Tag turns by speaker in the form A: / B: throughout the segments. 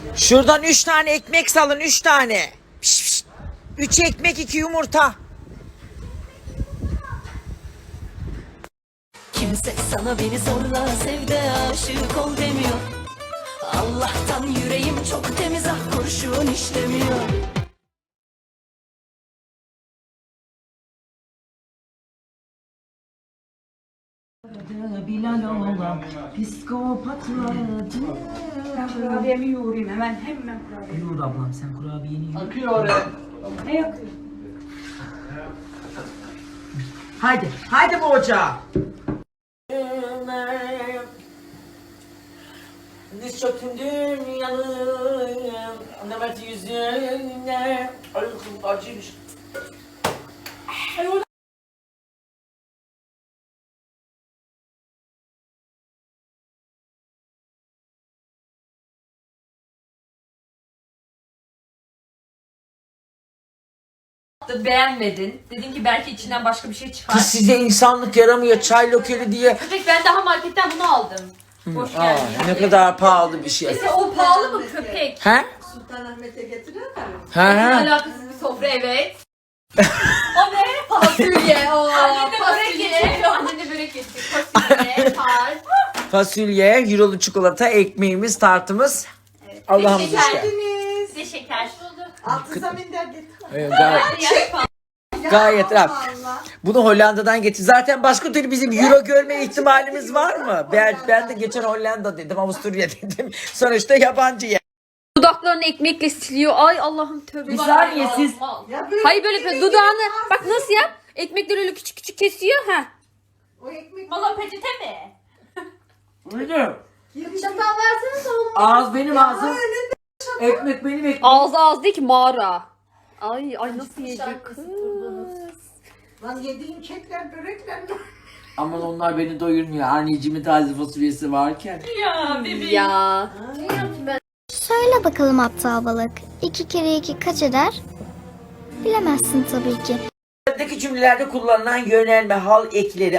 A: Şuradan 3 tane ekmek salın, 3 tane. 3 ekmek 2 yumurta.
B: Kimse sana beni zorla sev de aşık ol demiyor. Allah'tan yüreğim çok temiz, ah kurşun işlemiyor.
C: Bilal olan psikopatlardı.
D: Ben kurabiyemi yoğurayım hemen kurabiye.
C: Yoğur ablam, sen kurabiyeni yoğur.
E: Akıyor oraya.
D: Ne yakıyor?
A: Haydi bu ocağa. Diz çöktüm dünyanın Nemet yüzüne. Ay acıymış.
F: Beğenmedin. Dedin ki belki içinden başka bir şey çıkar.
A: Kız size insanlık yaramıyor çay lokeli diye.
F: Köpek, ben daha marketten bunu aldım. Hoş
A: Aa,
F: geldin.
A: ne kadar pahalı bir şey.
F: Mesela o pahalı mı köpek?
A: He?
E: Sultanahmet'e getiriyorlar mı?
A: He he.
F: Alakasız bir sofra, evet. O ne? Fasulye. Annem de börek getiriyor. Annem de börek getiriyor. Fasulye, tart.
A: Fasulye, eurolu çikolata, ekmeğimiz, tartımız. Allah'ımız
F: Şeker.
A: işte.
F: Bir de şeker.
E: Altı zaminden getir.
A: Evet, gayet rahat. Bunu Hollanda'dan getir. Zaten başka türlü bizim euro görme ihtimalimiz var mı? Ben de geçen Hollanda dedim, Avusturya dedim. Sonuçta yabancı yer.
G: Dudaklarını ekmekle siliyor. Ay Allah'ım tövbe.
A: Bir saniye siz.
E: Ya böyle
G: Hayır böyle yapıyor. Dudağını bak nasıl yap? Ekmekleri öyle küçük küçük kesiyor. Ha.
E: o ekmek
F: Valla peçete mi?
A: Öyle.
E: çatal versene oğlum.
A: Ağız benim ağzım. Ekmek benim ekmek.
G: Ağzı ağız değil ki mağara. Ay nasıl yiyecek kız?
E: Lan yediğin kekler börekler mi?
A: Aman onlar beni doyurmuyor. Anneciğimin taze fasulyesi varken.
F: Ya bebeğim.
G: Ya.
H: Söyle bakalım aptal balık. 2 kere 2 kaç eder? Bilemezsin tabii ki.
A: Buradaki cümlelerde kullanılan yönelme, hal ekleri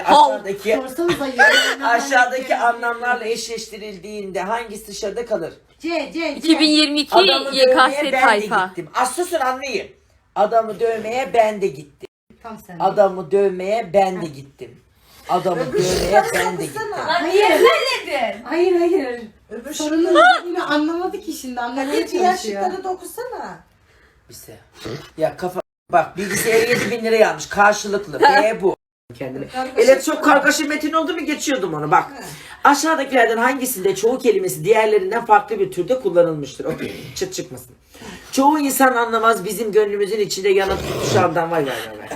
A: aşağıdaki anlamlarla eşleştirildiğinde hangisi dışarıda kalır?
E: C.
G: 2022
A: Adamı dövmeye
G: YKS
A: ben
G: tayfa.
A: de gittim. Az susun anlayın. Adamı dövmeye ben de gittim.
E: Tam sen.
A: Adamı dövmeye ben de gittim. Adamı dövmeye ben de gittim.
F: Lan niye söyledin?
E: Hayır. Öbür sorunun yine anlamadı ki şimdi. Anlamaya diğer şıkları da okusana.
A: Bize. Ya kafa bak bilgisayarı 7.000 liraya almış karşılıklı. B bu. Kendine. Evet çok kargaşa metin oldu mu geçiyordum onu bak. Aşağıdakilerden hangisinde çoğu kelimesi diğerlerinden farklı bir türde kullanılmıştır? Okey. Çıt çıkmasın. Çoğu insan anlamaz bizim gönlümüzün içinde yanıp tutuşandan vay.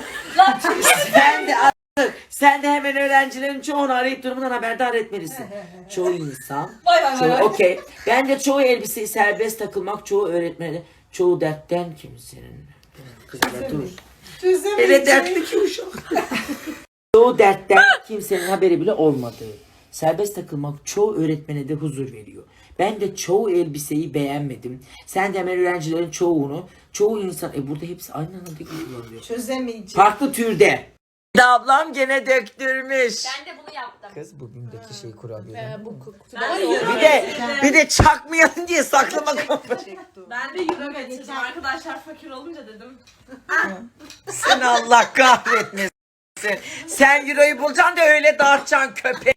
A: Sen de hemen öğrencilerin çoğunu arayıp durumundan haberdar etmelisin. Çoğu insan. Okey. Bence çoğu elbiseyi serbest takılmak, çoğu öğretmeni, çoğu dertten kimsenin. Kızlar dur. Hele dertli ki uşak. Çoğu dertten kimsenin haberi bile olmadığı. Serbest takılmak çoğu öğretmene de huzur veriyor. Ben de çoğu elbiseyi beğenmedim. Sen de hemen öğrencilerin çoğunu, çoğu insan... burada hepsi aynı anda kullanılıyor.
E: Çözemeyeceğim.
A: Farklı türde. Ablam gene döktürmüş.
F: Ben de bunu yaptım.
A: Kız bugündeki şey kurabiye. Bir de çakmayalım diye saklama kapı.
D: Ben de euro getirdim. Arkadaşlar fakir olunca dedim.
A: Sen Allah kahretmesin. Sen euroyu bulacaksın da öyle dağıtacaksın köpek.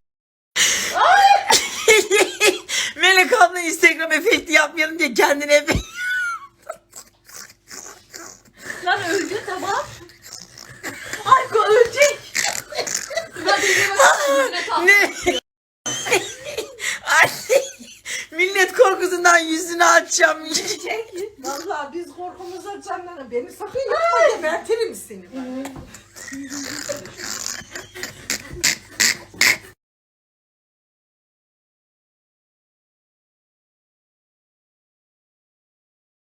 A: Melek abla Instagram efekti yapmayalım diye kendine efekt.
F: Lan öldü tamam. Ay ölecek.
A: Ne? Anne. Millet korkusundan yüzünü açacağım.
E: Vallahi biz korkumuzdan canlanır. Beni sakın yapma gebertirim seni.